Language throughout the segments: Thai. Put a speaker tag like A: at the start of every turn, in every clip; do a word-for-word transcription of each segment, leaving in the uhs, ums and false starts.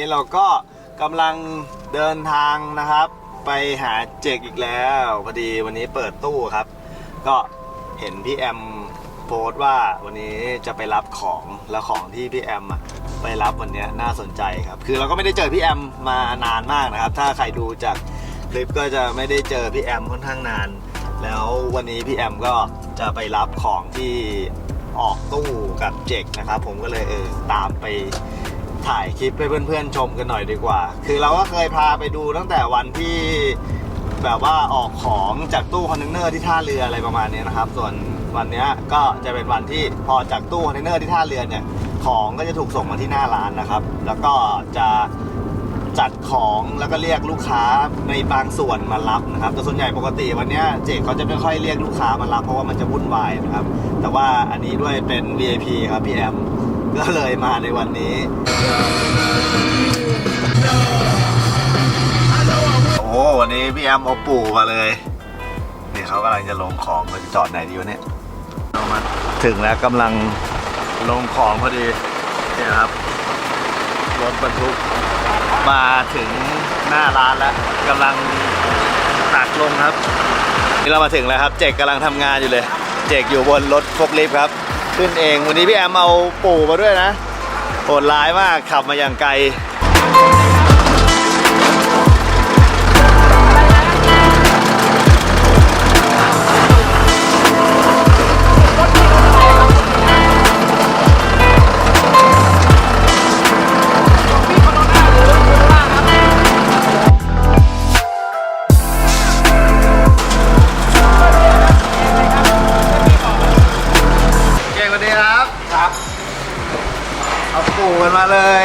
A: เราก็กำลังเดินทางนะครับไปหาเจกอีกแล้วพอดีวันนี้เปิดตู้ครับก็เห็นพี่แอมโพสต์ว่าวันนี้จะไปรับของแล้วของที่พี่แอมไปรับวันนี้น่าสนใจครับคือเราก็ไม่ได้เจอพี่แอมมานานมากนะครับถ้าใครดูจากคลิปก็จะไม่ได้เจอพี่แอมค่อนข้างนานแล้ววันนี้พี่แอมก็จะไปรับของที่ออกตู้กับเจกนะครับผมก็เลยเออตามไปถ่ายคลิปให้เพื่อนๆชมกันหน่อยดีกว่าคือเราก็เคยพาไปดูตั้งแต่วันที่แบบว่าออกของจากตู้คอนเทนเนอร์ที่ท่าเรืออะไรประมาณนี้นะครับส่วนวันนี้ก็จะเป็นวันที่พอจากตู้คอนเทนเนอร์ที่ท่าเรือเนี่ยของก็จะถูกส่งมาที่หน้าร้านนะครับแล้วก็จะจัดของแล้วก็เรียกลูกค้าในบางส่วนมารับนะครับแต่ส่วนใหญ่ปกติวันนี้เจกเขาจะไม่ค่อยเรียกลูกค้ามารับเพราะว่ามันจะวุ่นวายนะครับแต่ว่าอันนี้ด้วยเป็น วี ไอ พี ครับพี่แอมก็เลยมาในวันนี้โอ้วันนี้พี่แอมเอาปู่มาเลยนี่เขากำลังจะลงของเราจะจอดไหนดีวะเนี่ยเรามาถึงแล้วกำลังลงของพอดีนี่ครับรถบรรทุกมาถึงหน้าร้านแล้วกำลังตักลงครับนี่เรามาถึงแล้วครับเจกกำลังทำงานอยู่เลยเจกอยู่บนรถฟกลิฟต์ครับขึ้นเองวันนี้พี่แอมเอาปู่มาด้วยนะโหดร้ายมากขับมาอย่างไกลปู่กันมาเลย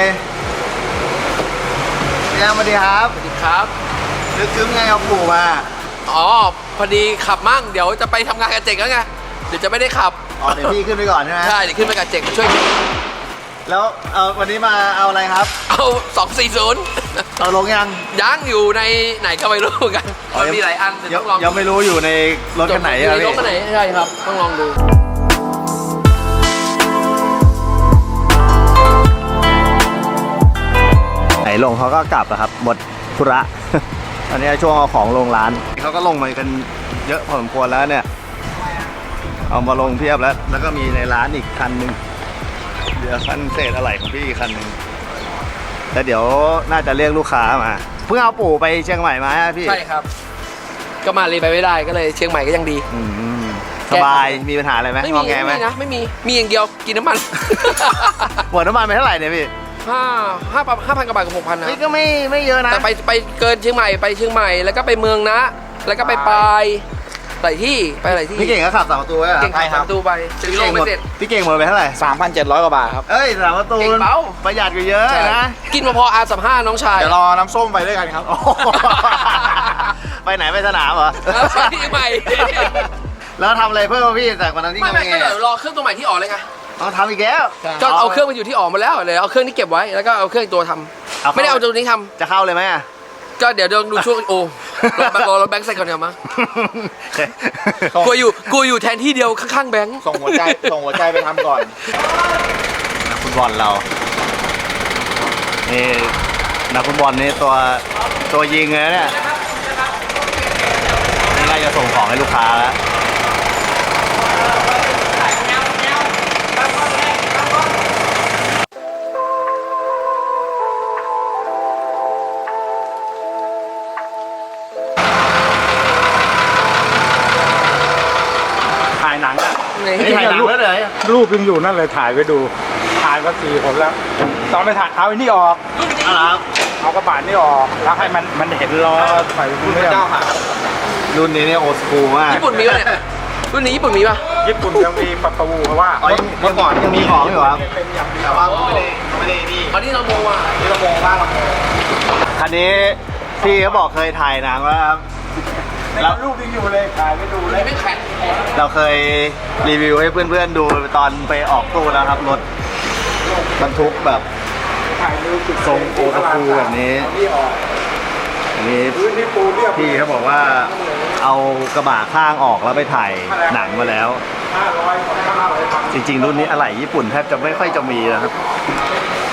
A: พี่แอมสวัสดีครับสวัสดีครับนึกถึงไงเอาปู่มา
B: อ๋อพอดีขับมั่งเดี๋ยวจะไปทำงานกับเจกแล้วไงเดี๋ยวจะไม่ได้ขับ
A: อ๋อเดี๋ยวพี่ขึ้นไปก่อนใช่ไหม
B: ใช่เดี๋ยวขึ้นไปกับเจกช่วยพี่
A: แล้วเอาวันนี้มาเอาอะไรครับ
B: เอาสองสี่ศูนย์
A: เอาลงยัง
B: ยังอยู่ในไหนก็ไม่รู้กันมันมีหลายอันต้องลอง
A: ยังไม่รู้อยู่ในรถคันไหน
B: อะไรรถคันไหนใช่ครับต้องลองดู
A: ไหนลงเขาก็กลับอะครับหมดธุระตอนนี้ช่วงเอาของลงร้านเขาก็ลงมากันเยอะพอสมควรแล้วเนี่ยเอามาลงเพียบแล้วแล้วก็มีในร้านอีกคันหนึ่งเดี๋ยวคันเศษอะไรของพี่อีกคันหนึ่งแล้วเดี๋ยวน่าจะเรียกลูกค้ามาเพิ่งเอาปู่ไปเชียงใหม่มาพี่
B: ใช่ครับก็มาเลยไปไม่ได้ก็เลยเชียงใหม่ก็ยังดี
A: สบายมีปัญหาอะไรไหม
B: ไม่มีไม่มีนะไม่มีมีอย่างเดียวกินน้ำมัน
A: หมดน้ำมันไปเท่าไหร่เนี่ยพี่
B: ห้าห้าห้าพันกว่าบาทกับหกพันนะ
A: นี่ก็ไม่ไม่เยอะนะ
B: แต่ไปไปเกินเชียงใหม่ไปเชียงใหม่แล้วก็ไปเมืองนะแล้วก็ไปปลายหลายที่ไปหลายที่
A: พี่เก่งก็ขับสามประตูไว้
B: เก่งขับสามประตูไปจะลงไม่เสร็จ
A: พี่เก่งหมดไปเท่าไหร่
C: สามพันเจ็ดร้อยกว่าบาทครับ
A: เอ้ยสามประตูเบาประหยัดกว่าเยอะนะ
B: กินมาพออาร์สามห้าน้องชาย
C: เดี๋ยวรอน้ำส้มไปด้วยกันครับ
A: ไปไหนไปสนามเหรอ
B: ไปที่ใหม่
A: แล้วทำอะไรเพิ่มพี่จากวันนั้นที่
B: ไม่ไม่ก็เดี๋ยวรอเครื่องตัวใหม่ที่ออกเลยไง
A: ต้องทำอีกแล้ว
B: ก็เอาเครื่องมาอยู่ที่ออกมาแล้วเลยเอาเครื่องที่เก็บไว้แล้วก็เอาเครื่องตัวทำไม่ได้เอาตัวนี้ท
A: ำจะเข้าเลยไหม
B: ก็เดี๋ยวดูช่วงโอ้รอรถแบงค์ใส่ก่อนเดี๋ยวมากูอยู่กูอยู่แทนที่เดียวข้างๆแบงค์
C: ส่งหัวใจส่งหัวใจไปทำก่อน
A: นักฟุตบอลเรานี่นักฟุตบอลนี่ตัวตัวยิงเลยเนี่ยนี่เราจะส่งของให้ลูกค้าแล้ว
C: หนังอ่ะ
A: ถ่ายหนังแล้วเลย
C: รูปยังอยู่นั่นเลยถ่ายไว้ดูถ่ายมาสี่คนแล้วตอนไปถ่ายเอาไอ้นี่ออกเอากระบะนี่ออกแล้วให้มันมันเห็นล้อใส่รุ่นเจ้าหา
A: รุ่นนี้เนี่ยโอสคูลมาก
B: ญี่ปุ่นมีป่ะเนี่ยรุ่นนี้ญี่ปุ่นมีป่ะ
C: ญี่ปุ่นยังมีประตูเพราะว่า
A: เมื่อก่อนยังมีของอยู่ครับแต่ว่าไม่ได้ไม่ได้นี่
B: อันนี้เราโมว่ะ
C: นี่เราโมบ้างเราโม
A: คันนี้พี่เขาบอกเคยถ่ายหนังว่า
C: แล้วรูปยังอยู่เลยถ่ายไม่ดูเลย
B: ไม่แข็ง
A: เราเคยรีวิวให้เพื่อนๆดูตอนไปออกตู้แล้วครับรถบรรทุกแบบทรงโอตาคูแบบนี้อันนี้พี่เขาบอกว่าเอากระบะข้างออกแล้วไปถ่ายหนังมาแล้วจริงๆรุ่นนี้อะไหล่ญี่ปุ่นแทบจะไม่ค่อยจะมีนะครับ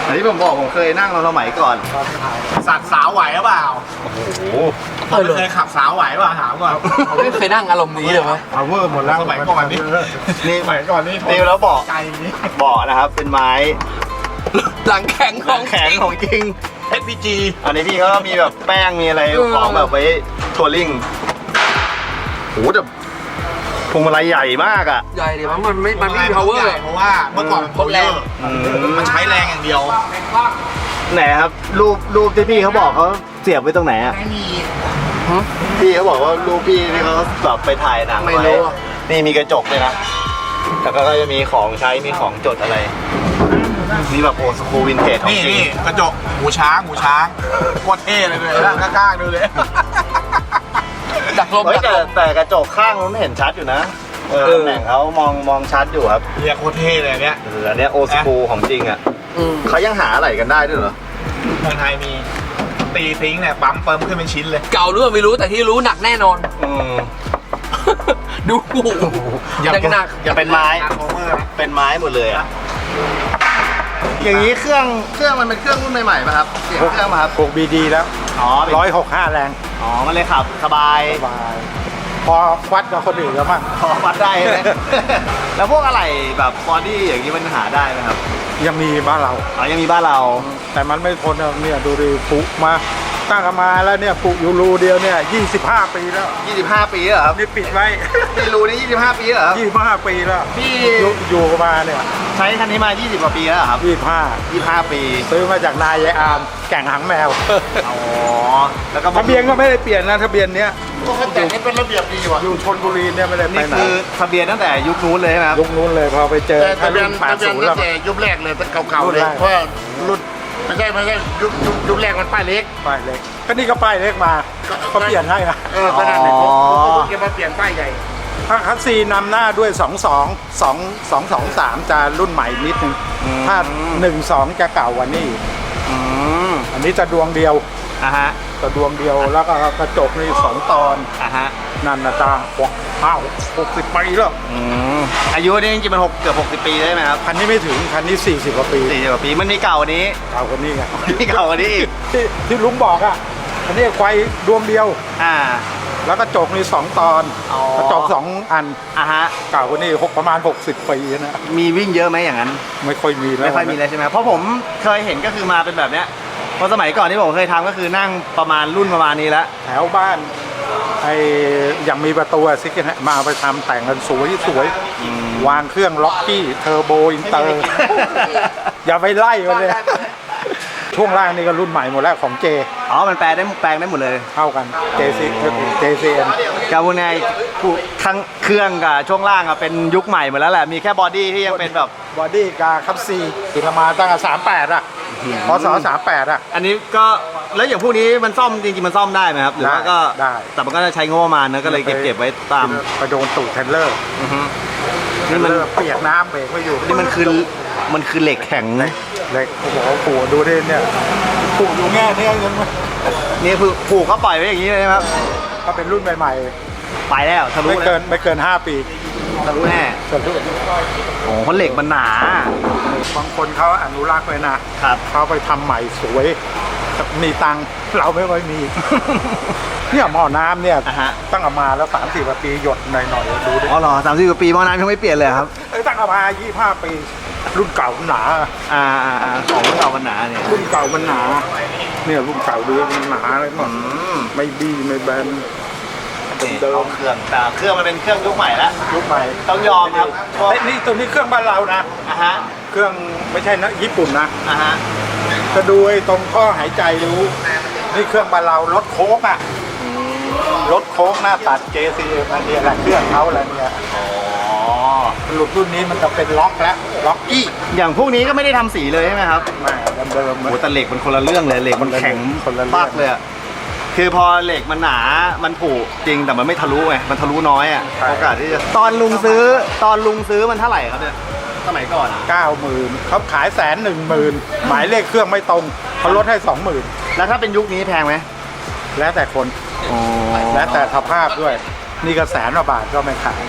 A: อันนี้ผมบอกผมเคยนั่งเราสมัยก่อน
D: สัตว์สาวไหวหรือเปล่า
A: โอ้โห
B: เออเลย
D: เคยขับสาวไหวหรือเปล่าถามก่อน
B: ผมไม่เคยนั่งอารมณ์นี้เลยไหม
C: พาวเวอร์หมดแล้ว
D: สมัยก่อนนี่
A: นี่
D: สมัยก่อนนี่
A: ตีแล้วเบาะ
D: ไกลอย่างนี้
A: เบาะนะครับ เป็นไม้
B: หลังแข็งข
A: ข
B: อ
A: อง งแข็งของจริง
D: เอสพีจี
A: อันนี้พี่เขาก็มีแบบแป้งมีอะไร
B: เออ
A: ของแบบไว้ทัวริ่งโหแต่พวงมาลัยใหญ่มากอ่ะ
B: ใหญ่ดิมันมันไม่มันไม่มี power
D: เพราะว่าเมื่อก่อนมัน
B: พดแรง
D: มันใช้แรงอย่างเดียว
A: ไหนครับรูปรูปที่พี่เขาบอกเขาเสียบไว้ตรงไหนอ่ะ
D: ไม่มี
A: พี่เขาบอกว่ารูปพี่ที่เขาแบบไปถ่ายหนัง
B: ไม่
A: ไว้
B: รู้อะ
A: นี่มีกระจกเลยนะแต่ก็จะมีของใช้มีของจดอะไรนี่แบบโอสคูวินเทจของ
D: นี่
A: จริง
D: นี่กระจกหูช้างหูช้างโคตรเท่เลยเลยนั่งกล้าๆดูเลย
B: ดักลม
A: เฮ้ย
B: ดัก
A: แต่
B: ลม
A: แต่กระจกข้างมันไม่เห็นชัดอยู่นะเออ
B: เออ
A: ตำแหน่งเขามองมองชัดอยู่ครับ
D: เรียกโคตรเท่เลยอันเนี้ย
A: เอออันเนี้ยโอสคูของจริงอ่ะ
B: อืม
A: เขายังหาอะไรกันได้ด้วยเหรอ
D: เมืองไทยมีตีทิ้งเนี่ยปั๊มเปิมขึ้นเป็นชิ้นเลย
B: เก่าหรือเปล่าไม่รู้แต่ที่รู้หนักแน่นอน
A: อืม
B: ดูยังหนัก
A: อย่าเป็นไม้
D: ทาร์โฟเมอร์
A: เป็นไม้หมดเลยอ่ะอย่างนี้เครื่องเครื่องมันเป็นเครื่องรุ่นใหม่ๆป่ะครับเสียงเครื่องมาครับ
C: หกบีดีแล้ว
A: อ๋อเป็น
C: ร้อยหกห้าแรง
A: อ๋อมันเลยขับสบาย
C: สบายพอวัดกับคนอื่นแล้วมั้ง
A: พอวัดได้ไหม แล้วพวกอะไรแบบบอดี้อย่างนี้มันหาได้ไหมครับ
C: ยังมีบ้านเรา
A: อ๋อยังมีบ้านเรา
C: แต่มันไม่ทนอะเนี่ยดูดิปุมาตั้งกันมาแล้วเนี่ยปุอยู่รูเดียวเนี่ยยี่สิบห้าปีแล้ว
A: ยี่สิบห้าปีเหรอครับ
C: นี่ปิดไว้
A: พี่รู้นี่ยี่สิบห้าปีเหรอครับ
C: ยี่สิบห้าปีแล้ว
A: พี่
C: อยู่อยู่มาเนี่ย
A: ใช้คันนี้มายี่สิบกว่าปีแล้วเหรอครับ
C: ยี่สิบห้า
A: ยี่สิบห้าปี
C: ซื้อมาจากนายายอามแก่งหางแมว
A: อ๋อแล้วก็
C: ทะเบียนก็ไม่ได้เปลี่ยนนะทะเบียนเนี้ย
D: แต่นี่เป็นระเบียบดีว่ะ
C: อยู่ชนบุรีเนี่ยไม่ได้ไป
A: นี่
C: ไหน
A: คือทะเบียนตั้งแต่ยุคนู้นเลยใช่ไหมครับ
C: ยุคนู้นเลยพอไปเจอ
D: แต่ทะเบียน
C: แป
D: ทะ
C: ด
D: เบียน
C: ศูนย์
D: ตั้
C: แล้ว
D: งแต่ยุคแรกเลยตั้งเก่า
C: รุ่
D: ๆ
C: น
D: เลย
C: แรก
D: เพราะว่ารุ่นไม่ใช่ไม่ใช่ยุคยุคยุคแรกมันป้ายเล็ก
C: ป้ายเล็กก็นี่ก็ป้ายเล็กมาก็เปลี่ยนให้นะ
D: เออขนาดไหนผมผมเพิ่งจะมาเปลี่ยนป้ายใหญ่
C: ถ้าคัสซีนำหน้าด้วย สอง สอง สอง สอง สอง สาม จะรุ่นใหม่นิดนึงถ้า หนึ่ง สอง จะเก่ากว่านี่
A: อืม
C: อันนี้จะดวงเดียว
A: อ่ะฮะ
C: จะดวงเดียวแล้วก็กระจกนี่สองตอน
A: อ่ะฮะ
C: นั่นนะตาหกอ้าวหกสิบปีแล้ว
A: อืมอายุนี่จริงๆมันหกเกือบหกสิบปีได้ไหมครับ
C: คันนี้ไม่ถึงคันนี้สี่สิบกว่าปี
A: สี่สิบกว่าปีมันมีเก่ากว่านี้
C: เก่ากว่านี้ไง
A: มีเก่ากว่านี้อีก
C: ที่ที่ลุงบอกอ่ะอันนี้ควายดวงเดียว
A: อ่า
C: แล้วกระจกนี่สองตอน
A: อ๋อ
C: กระจกสองอัน
A: อ่ะฮะ
C: เก่ากว่านี้หกประมาณหกสิบปีนะ
A: มีวิ่งเยอะไหมอย่างนั้น
C: ไม่ค่อยมีแล้ว
A: ไม่ค่อยมีเลยใช่ไหมเพราะผมเคยเห็นก็คือมาเป็นแบบเนี้ยเพราะสมัยก่อนที่ผมเคยทำก็คือนั่งประมาณรุ่นประมาณนี้แล้ว
C: แถวบ้านไอ้ยังมีประตูซิกเนมาไปทำแต่งกันสวยสวย
A: อืม
C: วางเครื่องล็อกกี้เทอร์โบอินเตอร์ อย่าไปไล่มันเลย ช่วงล่างนี่ก็รุ่นใหม่หมดแล้วของเจ
A: อ๋อมันแปลได้แปลงได้หมดเลย
C: เข้ากัน เจ ซี เจ ซี เอ็น
A: กาบูไงทั้งเครื่องกับช่วงล่างอะเป็นยุคใหม่หมดแล้วแหละมีแค่บอดี้ที่ยังเป็นแบบ
C: บอดี้กาคับซีติดมาตั้งแต่สามแปดอ่ะพศสามแปดอ่ะ
A: อันนี้ก็แล้วอย่างพวกนี้มันซ่อมจริงๆมันซ่อมได้ไหมครับหรือว่าก็
C: ได้
A: แต่มันก็จะใช้งบประมาณนะก็เลยเก็บเก็บไว้ตาม
C: ไปโดนตูดเทรลเลอร์
A: อือฮึ
C: เทร
A: นี่
C: ล
A: มัน
C: เลอร์เปียกน้ำเบรกไม่อยู่
A: นี่มันคือมันคือเหล็กแข็ง
C: เหล็กโอ้โหปู่ดูดิเนี่ยปู่อยู่แง่เนี่ยยังไม่
A: นี่คือผูกก็ปล่อยไว้อย่างนี้เลยนะครับ
C: ก็เป็นรุ่นใหม่
A: ไปแล้วทะ
C: ๆ
A: ลุ
C: ไม่
A: แล้
C: เกิ
A: วน
C: ไม่เกินห้าปี
A: ทะลุแน่
C: ส่วนทุก
A: โอ้โหเพราะเหล็กมันหนา
C: บางคนเขาอนุรักษ์ไว้นะครับ เขาไปทำใหม่สวยมีตังค์เราไม่ค่อยมี เนี่ยหม้อน้ำเนี่ย
A: อ่ะฮะ
C: ตั้งเอามาแล้วสามสี่ปีหยดหน่อยๆดูดิ
A: อ๋อเหรอสามสิบกว่าปีหม้อน้ำยังไม่เปลี่ยนเลยครับ
C: เอ้ยตั้งเอามายี่ห้าปี รุ่นเก่ามันหนา
A: อ่าอ่าอ่าของเก่ามันหนาเนี่ย
C: รุ่นเก่ามันหนา เนี่ยรุ่นเก่าดูมันหนาเลยมัน
A: อืม
C: ไม่บี้ไม่แบน
A: นี่เอาเครื่องแต่เครื่องมันเป็นเครื่องยุคใหม่แล้ว
C: ยุคใหม่
A: ต้องยอมครับพวก
C: เฮ้ยนี่ตัวนี้เครื่องบ้านเรานะ
A: อ่ะฮะ
C: เครื่องไม่ใช่นะญี่ปุ่นนะ
A: อ่ะฮะ
C: จะดูไอ้ตรงท่อหายใจรู้ นี่เครื่องบ้านเรารถโค้กอ่ะรถโค้กหน้าตัด เจ ซี เอ็ม อันนี้แหละเครื่องเขาอะไรเนี่ย
A: อ๋อ
C: หลุดรุ่นนี้มันจะเป็นล็อกแล้วล็อกอี้
A: อย่างพวกนี้ก็ไม่ได้ทำสีเลยใช่ไหมครับ
C: แม่เดิมๆ
A: โอ้แต่เหล็กมันคนละเรื่องเลยเหล็กมันแข็ง
C: คนละเรื่อง
A: ปักเลยอะคือพอเหล็กมันหนา มันผุจริงแต่มันไม่ทะลุไง มันทะลุน้อยอ่ะ โอกาสที่จะ ตอนลุงซื้อ ตอนลุงซื้อมันเท่าไหร่ครับเนี่ย สมัยก่อนอะ
C: เก้าหมื่นเขาขายแสนหนึ่งหมื่นหมายเลขเครื่องไม่ตรงเขาลดให้สองหมื่น
A: แล้วถ้าเป็นยุคนี้แพงไหม
C: แล้วแต่คน
A: อ๋อ
C: แล้วแต่สภาพด้วย นี่ก็แสนกว่าบาทก็ไม่ขาย
A: แ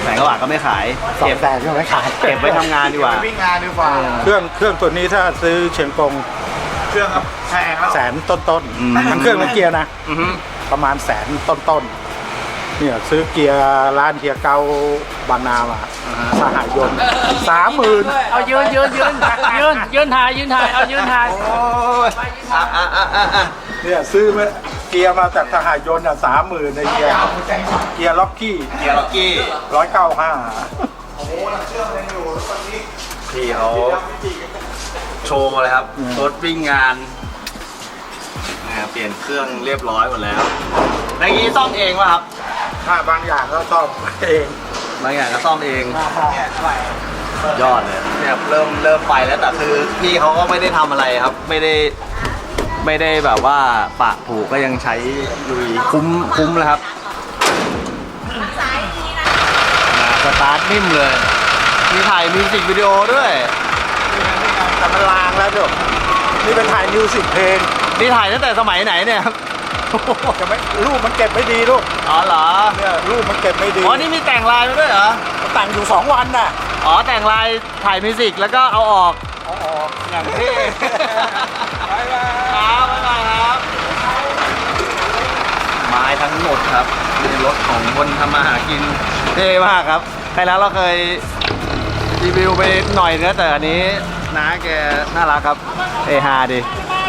A: แสนกว่าบาทก็ไม่ขาย
C: สอง
A: เก็บ
C: แสนก็ไม่ขาย
A: เก็บไว้ทำงานดีกว่า
D: วิ่งงานดีกว่า
C: เครื่องเครื่องตัวนี้ถ้าซื้อเชียงกง
D: เครื่องครับแพงแล้ว
C: แสนต้นต้นๆ
A: อืม
C: ทั้งเครื่องและเกียร์นะ
A: อือฮึ
C: ประมาณแสนต้นต้นๆเนี่ยซื้อเกียร์ร้านเกียร์เกาบางนามาสหายนต์สามหมื่น
E: เอายืนยืนยืนยืนยืนถ่ายยืนถ่ายเอายืนถ่าย
A: โอ้ยอ่ะอ่ะอ่ะอ่ะอ่ะ
C: เนี่ยซื้อมาเกียร์มาจากสหายนต์อ่ะสามหมื่นในเกียร์เกียร์ล็อกกี้
A: เกียร์ล็อกกี้
C: ร้อยเก้าห้า
A: พี่เขาโชว์มาเลยครับรถวิ่งงานนะครับเปลี่ยนเครื่องเรียบร้อยหมดแล้วในนี้ซ่อมเองป่ะครับ
C: ถ้าบางอย่างก็ต้องเอง
A: บางอย่างก็ซ่อมเองยอดเลยเนี่ยเริ่มเริ่มไปแล้วแต่คือพี่เขาก็ไม่ได้ทำอะไรครับ ไม่ได้ไม่ได้แบบว่าปะผูกก็ยังใช้ลุยคุ้มคุ้มแล้วครับมาสตาร์ทนิ่มเลย มีถ่ายมิวสิกวิดีโอด้วย
C: แต่มันลางแล้วเดี๋ยวนี่เป็นถ่ายมิวสิกเพลง
A: นี่ถ่ายตั้งแต่สมัยไหนเนี่ยครับ
C: จะไม่รูปมันเก็บไม่ดีลูก
A: อ๋อเหรอ
C: เนี่ยรูปมันเก็บไม่ดี
A: อ๋อนี่มีแต่งลายมาด้วยเหรอ
C: แต่งอยู่สองวันน่ะ
A: อ๋อแต่งลายถ่ายมิวสิกแล้วก็เอาออก
C: อ๋อ
A: อย่างที่บายบายครับบ๊ายบายครับไม้ทั้งหมดครับในรถของคนทำมาหากินเท่มากครับใครแล้วเราเคยรีวิวไปหน่อยเนื้อแต่อันนี้น้าแกน่ารักครับเอฮาดิ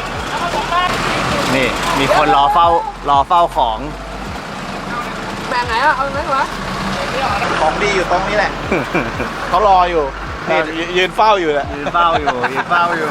A: นี่มีคนรอเฝ้ารอเฝ้าของ
B: แบ่งไหนอ่ะ เอาไหนวะ
D: ของดีอยู่ตรงนี้แหละ เขารออยู่นี่ยืนเฝ้าอยู่แหละ
A: ยืนเฝ้าอยู่ยืนเฝ้าอยู่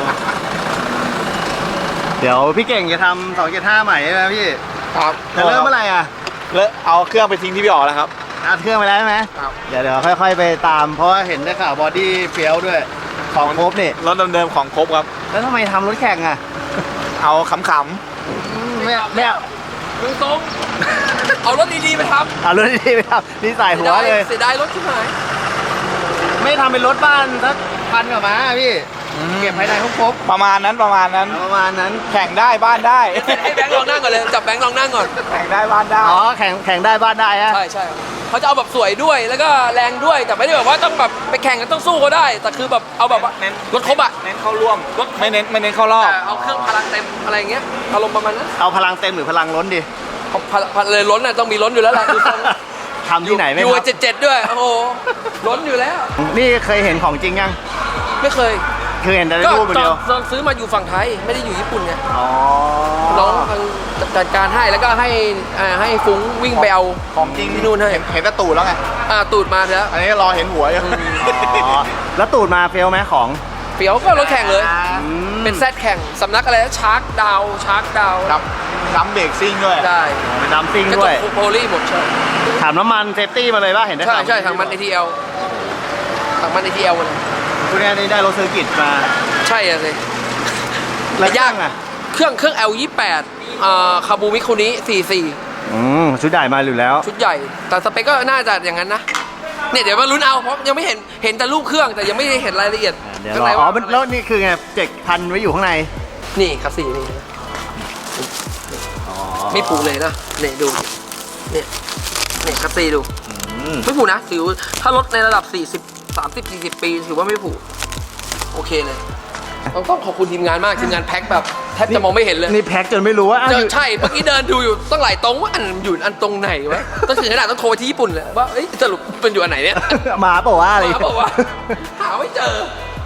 A: เดี๋ยวพี่เก่งจะทำสองเจ็ดห้าใหม่ใช่ไหมพี่
D: ครับ
A: จะเริ่มเมื่อไหร่อ่ะ
D: แล้วเอาเครื่องไปทิ้งที่พี่อ๋อแล้วครับ
A: อัดเครื่องไปแล้วใช่ไหม
D: ครับ
A: เดี๋ยวเดี๋ยวค่อย ๆ ไปตาม เพราะว่าเห็นได้ข่าวบอดี้เฟี้ยวด้วย ของครบนี่
D: รถเดิมๆของครบครับ
A: แล้วทำไมทำรถแข่งอ่ะ
D: เอาขำ
A: ไม่ไม่เอา
B: มึงตรงเอารถดีๆไปท
A: เอารถดีๆไปทำนี่ใส่
B: ำ
A: หัวเลย
B: เสียดายรถที่หาย
A: ไม่ทำเป็นรถบ้านสักพันกว่าม้าพี่ เก็บภายในครบ
D: ๆประมาณนั้นประมาณนั้น
A: ๆประมาณนั้น
D: แข่งได้บ้านได้
B: ให้แบงค์ลองนั่งก่อนเลย จับแบงค์ลองนั่งก่อน
D: แข่งได้บ้านได้
A: อ๋อ แข่งแข่งได้บ้านได้ฮะ
B: ใช่ใช่เขาจะเอาแบบสวยด้วย แล้วก็แรงด้วย แต่ไม่ได้แบบว่าต้องแบบไปแข่งกันต้องสู้ก็ได้ แต่คือแบบเอาแบบว่า
D: เน้น
B: รถครบอ่ะ
D: เน้นเข้าร่วม
B: รถ
D: ไม่เน้นไม่เน้นเข้ารอบ
B: แต่เอาเครื่องพลังเต็มอะไรอย่างเงี้ย อารมณ์ประมาณนั้น
A: เอาพลังเต็มหรือพลังล้นดิ
B: เอาพลพลเลยล้นน่ะต้องมีล้นอยู่แล้วล่ะดูทรง
A: ทำที่ไหนไม่
B: อยู่
A: ครับ
B: เจ็ดเจ็ดด้วย โอ้โห ล้นอยู่แล้ว
A: นี่เคยเห็นของจริงยัง
B: ไม่เคย
A: คือเห็นแต่ใน
B: ก็
A: รูปอย่าง
B: ตอ
A: เดียว
B: นตอนซื้อมาอยู่ฝั่งไทย ไม่ได้อยู่ญี่ปุ่นไง
A: อ๋อ
B: น้องทางจัดการให้แล้วก็ให้อ่าให้ฟุ้งวิ่งไปเอา
D: ของจริง
B: ที่นู่นให้
D: เห็นเห็นแต่ตูดแล้วไง
B: อ่าตูดมาแล้ว
D: อันนี้รอเห็นหัวอยู่
A: อ๋อ แล้วตูดมาเฟลไหมของ
B: เฟียวก็รถแข่งเลย
A: อืม
B: เป็นแซดแข่งสำนักอะไรนะชาร์กดาวชาร์กดาว
D: ดับดับเบรกซิ่งด้วย
B: ได้
A: เป็นดัมซิ่ง
B: กระจ
A: ด้วย
B: กโพลีหมดใช่
A: ถามน้ำมันเซฟตี้มาเลยป่ะ เห็นได้
B: ใช่
A: ข่าว
B: ใช่ทางมัน เอ ที แอล ทางมัน เอ ที แอล เลย
A: คุณแอนนี่ได้รถเซอร์กิตมา
B: ใช่อะสิ
A: แล้ว
B: ยาก
A: อ่ะ
B: เครื่องเครื่อง แอล ยี่สิบแปดอ่าคาบูมิคุนิสี่สี่
A: อืมชุดใหญ่มาอยู่แล้ว
B: ชุดใหญ่ แต่สเปคก็น่าจะอย่างนั้นนะเนี่ยเดี๋ยวมาลุ้นเอาเพราะยังไม่เห็นเห็นแต่รูปเครื่องแต่ยังไม่ได้เห็นรายละเอียด
A: เดี๋ยว
B: ข้าง
A: รอ
B: ใน
A: อ๋อ
B: ว่า
A: มันแล้วนี่คือไงเจ็กพันไว้อยู่ข้างใน
B: นี่คัสซี่นี่
A: อ๋อ
B: ไม่ผูกเลยนะเนี่ยดูเนี่ยเนี่ยคัสซี่ดู
A: อืม
B: ไม่ผูกนะถือถ้ารถในระดับสี่สิบ สามสิบ สี่สิบปีถือว่าไม่ผูกโอเคเลยต้องต้องขอบคุณทีมงานมากทีมงานแพ็คแบบแทบจะมองไม่เห็นเลย
A: นี่แพ็คจนไม่รู้ว่าอ้าว
B: เจ
A: อ
B: อยู่ ใช่เมื่อกี้เดินดูอยู่ต้องหลายตรงว่าอันอยู่อันตรงไหนวะต้องถึงขนาดต้องโทรไปที่ญี่ปุ่นเลยว่าเอ้ยสรุปเป็นอยู่อันไหนเนี่ย
A: มาเปล่าวะอะไร
B: เขาบอกว่าหาไม่เจอ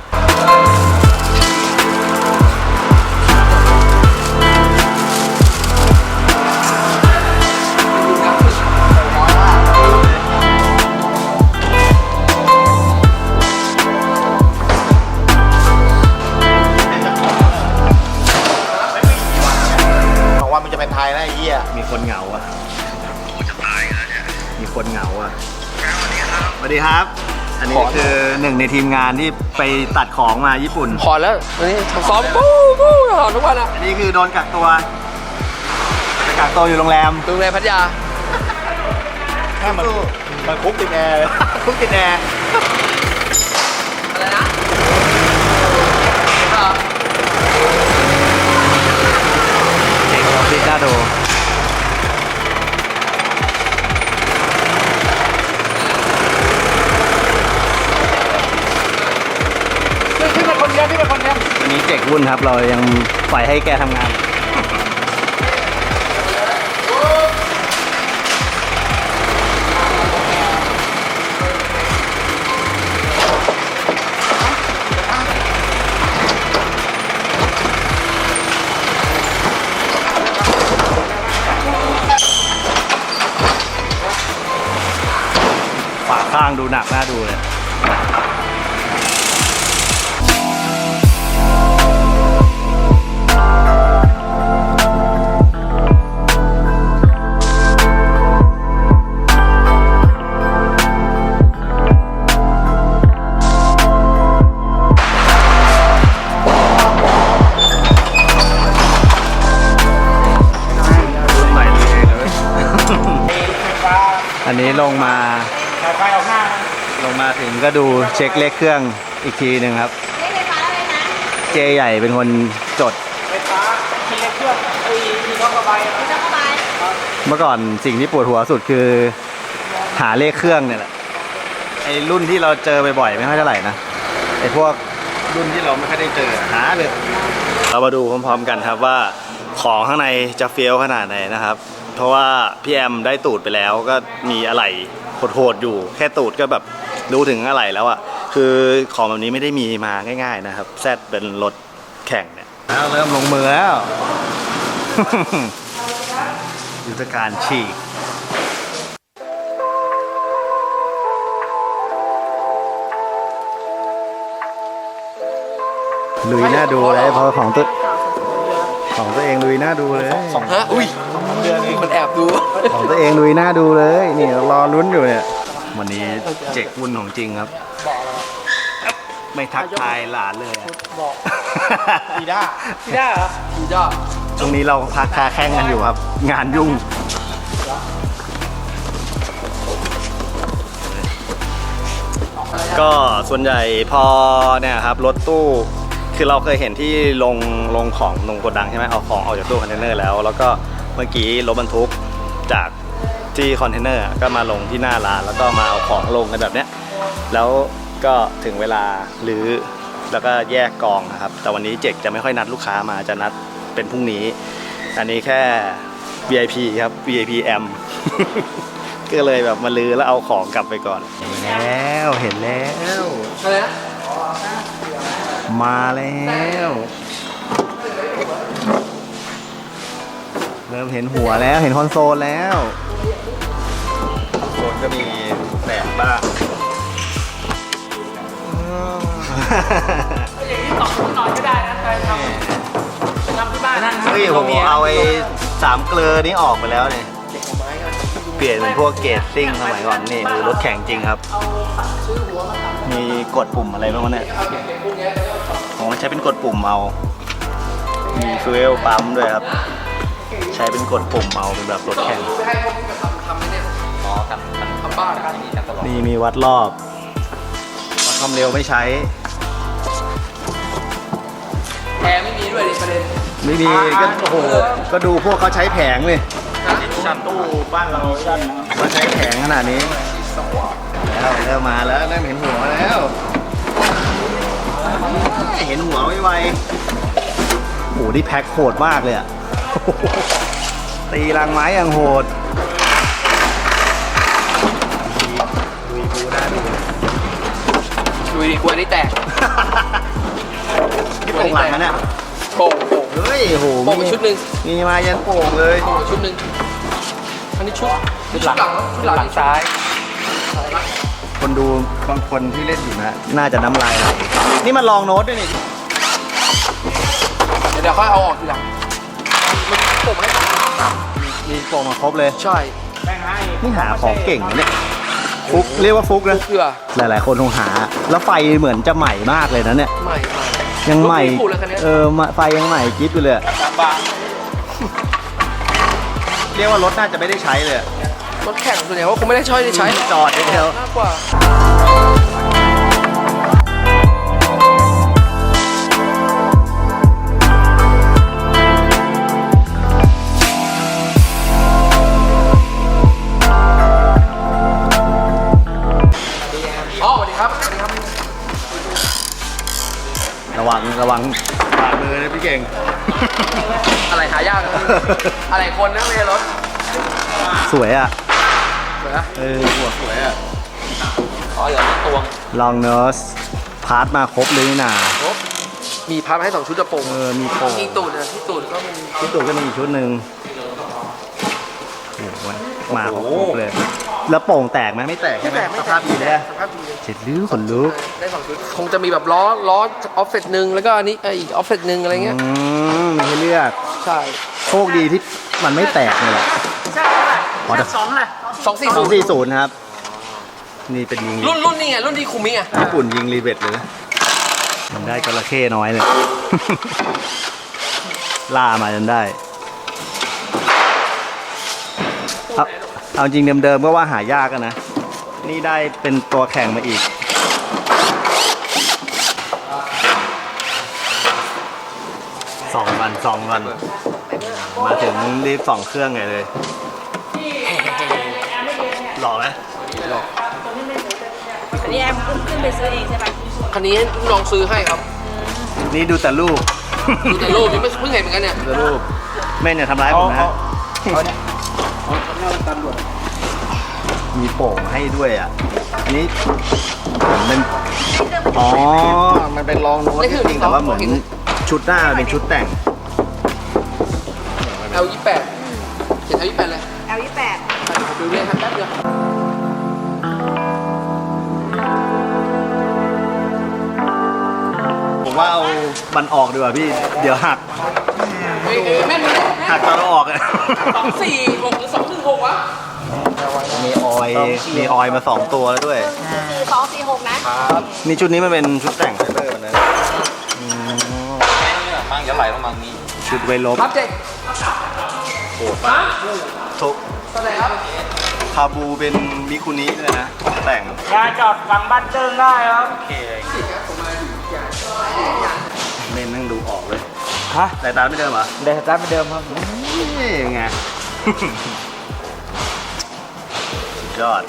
D: บอกว่ามันจะเป็นไทยนะไอ้เหี้ย
A: มีคนเหงาอ่ะมีคนเหงาอ่ะสวัสดีครับ อันนี้คือหนึ่งในทีมงานที่ไปตัดของมาญี่ปุ่น
B: พอแล้ววันนี้ซ้อมปู้ปู้ตลอดทุกวันอะ
A: อันนี้คือโดนกักตัวไปกักตัวอยู่โรงแรม
B: โรงแรมพัทยา
D: แค่มันมันคุกติดแอร์เลย
A: คุกกินแอร์
B: อะไรนะเหรอ
A: เจ๋งเราพิดน่าดูจกวุ่นครับ เรายังปล่อยให้แกทำงาน ฝาข้างดูหนักน่าดูเลย อันนี้ลงมา
C: สายไฟออกหน้า
A: ลงมาถึงก็ดูเช็คเลขเครื่องอีกทีหนึ่งครับ
F: เลขไฟฟ้าอะไรนะ
A: เจใหญ่เป็นคนจด
C: ไฟฟ้ามีเครื่องไอ้มีน้องระบาย
F: ไม่ต้องเข้าไป
A: เมื่อก่อนสิ่งที่ปวดหัวสุดคือหาเลขเครื่องเนี่ยแหละไอ้รุ่นที่เราเจอบ่อยๆไม่ค่อยเท่าไหร่นะไอ้พวกรุ่นที่เราไม่ค่อยได้เจอหาเลยเรามาดูพร้อมๆกันครับว่าของข้างในจะเฟี้ยวขนาดไหนนะครับ เพราะว่าพี่แอมได้ตูดไปแล้วก็มีอะไหล่โหดๆอยู่แค่ตูดก็แบบดูถึงอะไหล่แล้วอ่ะคือของแบบนี้ไม่ได้มีมาง่ายๆนะครับแซดเป็นรถแข่งเนี่ยแล้วเริ่มลงมือแล้ว ยุทธการฉีกลุยหน้าดูเลยพอของตัวของตัวเองลุยหน้าดูเลย
B: ฮะ อุ้ยมันแอบดู
A: ของตัวเองลุยหน้าดูเลยนี่รอลุ้นอยู่เนี่ยวันนี้เจ็กวุ่นของจริงครับไม่ทักทายหลานเลยอะ
C: ดีด้า
B: พี่ได้เหรอพี่ได้
A: ช่วงนี้เราพักคาแข่งกันอยู่ครับ งานยุ่งก็ส่วนใหญ่พอเนี่ยครับรถตู้คือเราเคยเห็นที่ลงลงของลงโกดังใช่ไหมเอาของออกจากตู้คอนเทนเนอร์แล้วแล้วก็เมื่อกี้รถบรรทุกจากที่คอนเทนเนอร์ก็มาลงที่หน้าร้านแล้วก็มาเอาของลงกันแบบเนี้ยแล้วก็ถึงเวลารื้อแล้วก็แยกกองนะครับแต่วันนี้เจกจะไม่ค่อยนัดลูกค้ามาจะนัดเป็นพรุ่งนี้อันนี้แค่ วี ไอ พี ครับ วี ไอ พี แอม ก็เลยแบบมาลื้อแล้วเอาของกลับไปก่อนเห็นแล้วเห็นแล้ว
B: อะไรนะ
A: มาแล้วเริ่มเห็นหัวแล้วเห็นคอนโซลแล้วคอนโซลก็มีแบกบ้าง
E: อย่างนี้สองคนนอนก็ได้นะใครทำทำที่บ้านนะ
A: เฮ้ยผมเอาไอ้สามเกลือนี้ออกไปแล้วเนี่ยเปลี่ยนเป็นพวกเกรดซิ่งสมัยก่อนนี่ดูรถแข่งจริงครับ มีกดปุ่มอะไรบ้างวะเนี่ยผมใช้เป็นกดปุ่มเอา มีฟิวเอลปั๊มด้วยครับ ใช้เป็นกดปุ่มเอาเป็นแบบรถแข่ง
B: ไปให้พวกนี้มาทำทำไอ้เนี่ยอ๋อทำทำบ้านนะครับ
A: นี่มีวัดรอบ วัดความเร็วไม่ใช้
B: แอร์ไม่มีด้วยดิประเด็น
A: ไม่มีก็โอ้โหก็ดูพวกเขาใช้แผงเลย
C: ชั้นตู้บ้านเราชั้น
A: มาใช้แผงขนาดนี้แล้วเริ่มมาแล้วเริ่มเห็นหัวแล้วเห็นหัวไวๆโอ้โหนี่แพ็คโหดมากเลยอะ ตีรังไม้อย่างโหดลุยกูได้ดู
B: ดูดิกลัวนี่แตก
A: ที่โป่งหลังนะเนี่ย
B: โป่งโป่ง
A: เฮ้ยโห
B: โป่งชุดหนึ่ง
A: มีมายันโป่งเลย
B: โป่งชุดหนึ่งอันนี้ชุดชุดหลังชุดหลังซ้าย
A: คนดูบางคนที่เล่นอยู่นะ น่าจะน้ำลายไหลนี่มันลองโน้ตด้วยนี่
B: เดี๋ยวเดี๋ยวค่อยเอาออกทีหลังมันโป่งให้
A: มีโป่งมาครบเลย
B: ใช่
C: แม่งให้
A: นี่หาของเก่งนะเนี่ยฟุกเรียกว่าฟุกนะ
B: เพื่อ
A: หลายๆคนคงหา แล้วไฟเหมือนจะใหม่มากเลยนะเนี่ย
B: ใหม่ใหม่
A: ยังใหม่
B: รถไม่ได้ปูดเลยคันเนี้ย
A: เออไฟยังใหม่กิ๊บอยู่เลยอะ
C: สามบาท
A: เรียกว่ารถน่าจะไม่ได้ใช้เลยอะ
B: รถแข่งส่วนใหญ่ว่าคงไม่ได้ใช้ได้ใช้
A: จอดเดียว
B: มากกว่าอ๋อสวัสดีครับสวัสดีครับ
A: ระวังระวังปากเลยนะพี่เก่ง
B: อะไรหายากนะอะไรคนนะไม่ใช่รถ
A: สวยอ่ะ
B: สวยนะ
A: เออหัวสวยอ่ะ
B: อ๋อเหลือตวง
A: ลองเนอร์สพาร์ทมาครบเลยนี่นา
B: ครบมีพับให้สองชุดกระโปรง
A: เออมีโป่ง
B: ที่ตูดนะที่ตูดก็มี
A: ที่ตัวก็มีอีกชุดหนึ่งโอ้โหมาครบเลย แล้วโป่งแตกไหมไม่แตกใช่ไหมสภาพดีเลย
B: สภาพดีเลย
A: เจ็ดลิ้วขนลุก
B: ได้สองชุดคงจะมีแบบล้อล้อออฟเฟตหนึ่งแล้วก็อันนี้เอ่ออีกออฟเฟตหนึ่งอะไรเงี้ย
A: อืมมีให้เลือก
B: ใช่
A: โชคดีที่มันไม่แตกเลยแหละ
E: ใช่เท่าไหร่แค่สองเลย
B: สองสี่
A: ส
B: ศู
A: อง
B: นย์
A: สี่ศูนย์ครับ นี่เป็นยิง
B: รุ่นรุ่นนี้ไงรุ่นที่คุมิไง
A: ญี่ปุ่นยิงรีเวทเลยมันได้จระเข้น้อยเลย ล่ามาจนได้เอาเอาจริงเดิมๆก็ว่าหายากอะนะ นี่ได้เป็นตัวแข่งมาอีก สองวันสองวัน มาถึงรีบสองเครื่องไงเลย หล่อไหม
F: อันนี้แอมขึ้นขึ้นไปซื้อเองใช่ปะ
B: คันนี้ลองซื้อให้ครับ
A: นี่ดูแต่รูป
B: ดูแต่รูปยังไม่เพิ่งเห็นเหมือนกันเนี่ย
A: ดูแต่รูปแม่เนี่ยทำร้ายผมนะ มีโป่งให้ด้วยอ่ะ อันนี้เหมือนเป็นอ๋อ มันเป็นรองโน้ตจริงๆแต่ว่าเหมือนชุดหน้ามันเป็นชุดแต่ง
B: แอลยี่แปดเขียนแอลยี่แปดเลย
F: แอลยี่แปด
B: เดี๋ยวผมดูเลยครับแป๊บเดียว
A: ผมว่าเอามันออกดีกว่าพี่ เดี๋ยวหัก
B: เฮ้ยเฮ้ยแม่นเลย
A: หักตอนเราออกอ่ะ
B: สองสี่หกหรือสองหนึ่งหกวะ
A: มีออยล์มีออยล์มาสองตัวแล้วด้วย
F: สี่สองสี่หกนะ
A: นี่ชุดนี้มันเป็นชุดแต่งไฟเบอร์นะอืม
D: มั่งจะไหลลงมางี้
A: ชุดไวลบ
B: ครับเจ๊โหดมาก
A: ทุก
B: เท่าไหร่ครับ
A: คาบูเป็นมิคุนิเลยนะแต่ง
E: ยาจอดฝั่งบ้านเจิงได้ครับ
A: เมนนั่งดูออกเลย
C: ฮะ
A: แต่ตาไม่เดิมเหรอ
C: เดี๋ยวสตาร์ทไปเดิมครับ
A: นี่ไง สุดยอด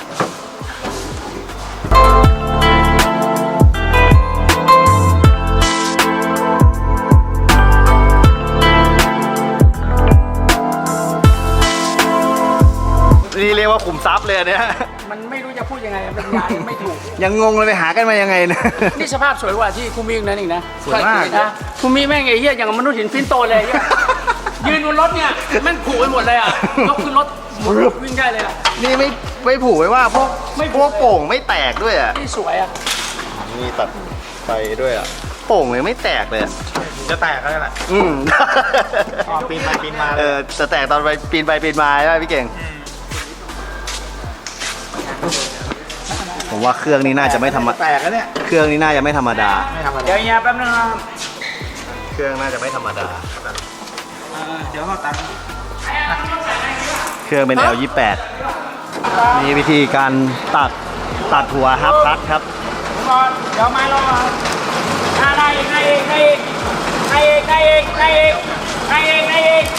A: นี่เรียกว่าขุมทรัพย์เลยอันเนี่ย
E: มันไม่รู้จะพูดยังไงเป็นยาไม่ถูก
A: ยังงงเลยไปหากันมายังไงเนี่ย
E: นี่สภาพสวยกว่าที่คุมินั่นอีกนะ
A: สวยมาก
E: นะคุมิแม่งไอ้เหี้ยอย่างกับมนุษย์หินฟินโตเลยไอ้เหี้ยยืนบนรถเนี่ยแม่งผูกไปหมดเลยอ่ะยกขึ้นรถวิ่งได้เลยอ่ะ
A: นี่ไม่ไม่ผูกไว้ว่าพวก
E: ไม่
A: พวกโป่งไม่แตกด้วยอ่ะ
E: นี่สวยอ่ะ
A: นี่ตัดไฟด้วยอ่ะ โป่งเลยไม่แตกเลยอะ
D: จะแตกก็ได้แหละ
A: อืม
D: อ๋อปีนไปปีนมาเลย
A: เออจะแตกตอนไปปีนไปปีนมาใช่ไหมพี่เก่ง ผมว่าเครื่องนี้น่าจะไม่ธรรมดา
D: แตกแล้วเนี่ย
A: เครื่องนี้น่าจะไม่ธรรมดา
D: ไม่ทำอะไร
E: เดี๋ยวเฮียแป๊บนึงนะครับ
A: เครื่องน่าจะไม่ธรรมดา
D: เดี๋ยวเขาตังค์
A: เครื่องเป็น แอล ยี่สิบแปด นี่วิธีการตัดตัดหัวฮับพัดครับ
E: ก่อนเดี๋ยวไม้ลงมาอ่าได้อีกได้อีกได้อีกได้อีกได้อีกได้อีกได้อีก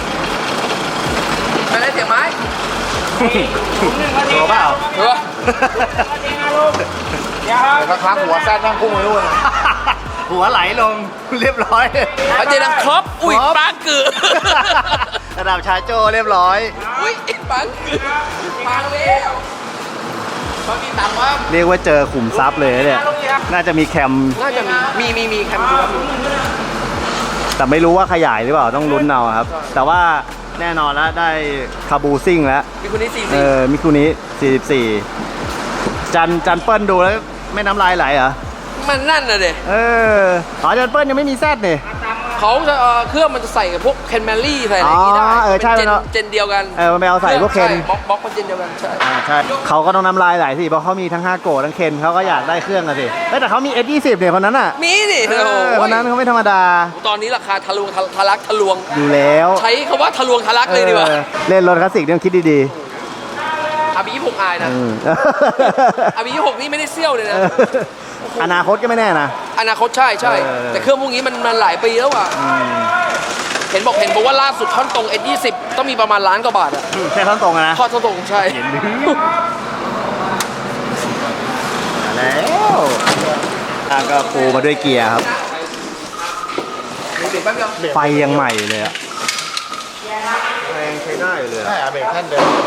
B: ไปได้เสียงไม้
E: ถุงหนึ่งนาที
A: ตัวเปล่า
B: เออ
E: นาทีนะลูกเดี๋ยวครับ
D: สักพักหัวแซดนั่งพุ่งไปนู่น
A: หัวไหลลงเรียบร้อย
B: เอาเจดังครบอุ้ย
A: ครบ
B: ปังเกือ
A: ระดับชาโจ้เรียบร้อย
B: อุ้ยปังเกือปังแล้วบางทีต่ำว่า
A: เรียกว่าเจอขุมทรัพย์เลยเนี่ย น่าจะมีแคม
B: น่าจะมี มี มี มีแคมป์ดูครับ
A: แต่ไม่รู้ว่าขยายหรือเปล่าต้องลุ้นเอาครับ แต่ว่าแน่นอนแล้วได้คาบูซิ่งแล้ว
B: มีคนนี้สี่
A: เอ
B: สิบ
A: อมิคุนี้สี่สิบสี่จันจันเปิ้ลดูแล้วไม่น้ำลายไหลเหรอ
B: มันนั่นน่ะเด็
A: เอออ๋อจันเปิ้ลยังไม่มีแซดนี่
B: เขาจะเอ่อเครื่องมันจะใส่กับพวกเคนแมรี่ใส่อะไรอย่างงี้ได้
A: อ๋อเออใช่
B: เป็นเจน
A: มันเอา
B: เจนเดียวกัน
A: เออมันไปเอาใส่พวกเคน
B: ใช่บล็อกบล็อกมันเจนเดียวกัน ใช่
A: อ่าใช่เขาก็ต้องน้ำลายไหลสิเพราะเขามีทั้งห้าโกะทั้งเคนเขาก็อยากได้เครื่องอะสิเอ้ยแต่เขามี เอส ยี่สิบ เนี่ยคนนั้นอ่ะ
B: มีนี่
A: เอ
B: โอ้
A: อ
B: โห
A: คนนั้นเขาไม่ธรรมดา
B: ตอนนี้ราคาทะลวงทะทะลักทะลวง
A: อยู่แล้ว
B: ใช้คำว่าทะลวงทะลักเลยดีกว่า
A: ออเล่นรถคลาสสิกต้องคิดดี
B: อาบียี่หกอาย
A: ๆ
B: นะ
A: อืม
B: อาบียี่หกนี่ไม่ได้เซี่ยวเลยนะ
A: อนาคตก็ไม่แน่นะ
B: อนาคตใช่ใช่
A: เออ
B: แต่เครื่องพวกนี้มันมันหลายปีแล้วอ่ะ เห็นบอกเห็นบอกว่าล่าสุดท่อนตรง เอส ยี่สิบ ต้องมีประมาณล้านกว่าบาทอะ
A: แค่ท่อนตรงอะนะ
B: ทอดท่อนตรงใช่
A: มาแล้วทางก็ปูมาด้วยเกียร์ครับ
B: เรกแป๊บเดียว
A: ไฟยังใหม่เลยอะแรงใช้ได้เลยอะ
D: ใช่อะเบรกแท่นเดิม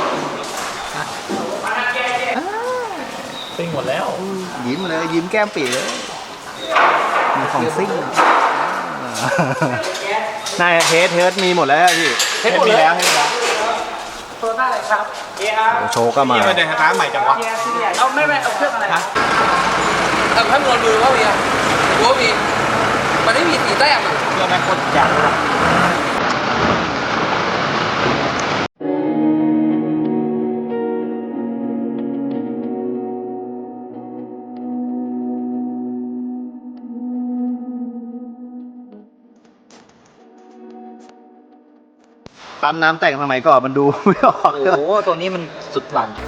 D: ซิ่งหมดแล้ว
A: ยิ้มเลยยิ้มแก้มปีเลยมีของซิ่งนายเทสเทสมีหมดแล้วอะพี่
B: เทสหมดเลย
D: แล้วให้แล้ว
E: โซน่าอะไรครับ
A: โชว์ก็มา
D: นี่มาเดินร้านใหม่จังวะ
E: เอาไม่ไม่เอาเครื่องอะไรครับ
B: แต่ถ้าโดนมือว่ามีอะรู้ว่ามี มันไม่มีสีแต้มอะ
D: เรื่องแม่งโคตรจังเลย
A: ปั๊มน้ำแต่งสมัยก่อนมันดูไม่ออก
D: โอ้โหตัวนี้มันสุดหลัง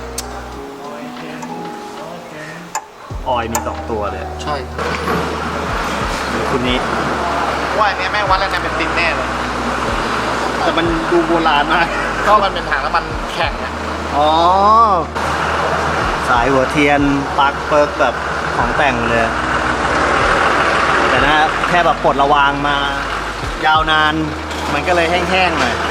A: ออยมีสองตัวเลย
B: ใช่
A: คุณนี้
D: ว่าอันเนี้ยแม่งวัดแล้วเนี่ยเป็นตินแน่เลย
A: แต่มันดูโบราณมาก
D: ก็มันเป็นถังแล้วมันแข็งอะ
A: อ๋อ สายหัวเทียนปลั๊กเปิร์กแบบของแต่งเลย แต่นะแค่แบบปลดระวางมายาวนาน มันก็เลยแห้งๆหน่อย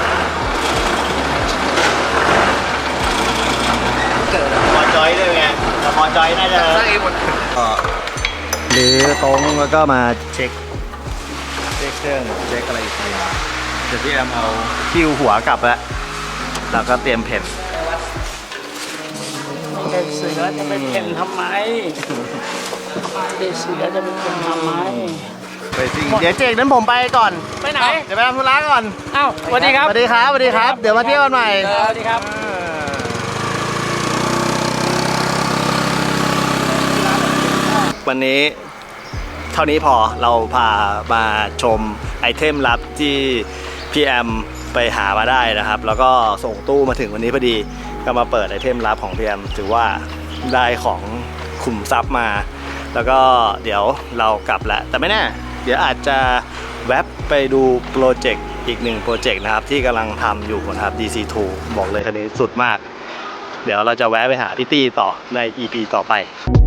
A: เกิดมอจอยด้วยไงแต่มอจอยน่าจะ
B: สร้างเองหมด
A: หรือตรงแล้วก็มาเช็ค เช็คเครื่องเช็คอะไรอีกทีเดี๋ยวพี่แอมเอาคิวหัวกลับแล้ว แล้วก็เตรียมเพ่น
E: เด็กเสือจะไปเพ่นทำไมเด็กเสือจะไปเพ่นทำไม
A: ไปสิเดี๋ยวเจกนั้นผมไปก่อน
E: ไปไหน
A: เดี๋ยวไปทำธุระก่อน
E: เอ้าสวัสดีครับ
A: สวัสดีครับสวัสดีครับ เดี๋ยวมาเที่ยวกันใหม่
E: สวัสดีครับ
A: วันนี้เท่านี้พอเราพามาชมไอเทมลับที่พี่แอมไปหามาได้นะครับ แล้วก็ส่งตู้มาถึงวันนี้พอดีก็มาเปิดไอเทมลับของพี่แอมถือว่าได้ของขุมทรัพย์มา แล้วก็เดี๋ยวเรากลับแล้วแต่ไม่แน่เดี๋ยวอาจจะแวบไปดูโปรเจกต์อีกหนึ่งโปรเจกต์นะครับที่กำลังทำอยู่นะครับ ดี ซี ทู บอกเลยคันนี้สุดมาก เดี๋ยวเราจะแวะไปหาพี่ตี้ต่อใน อี พี ต่อไป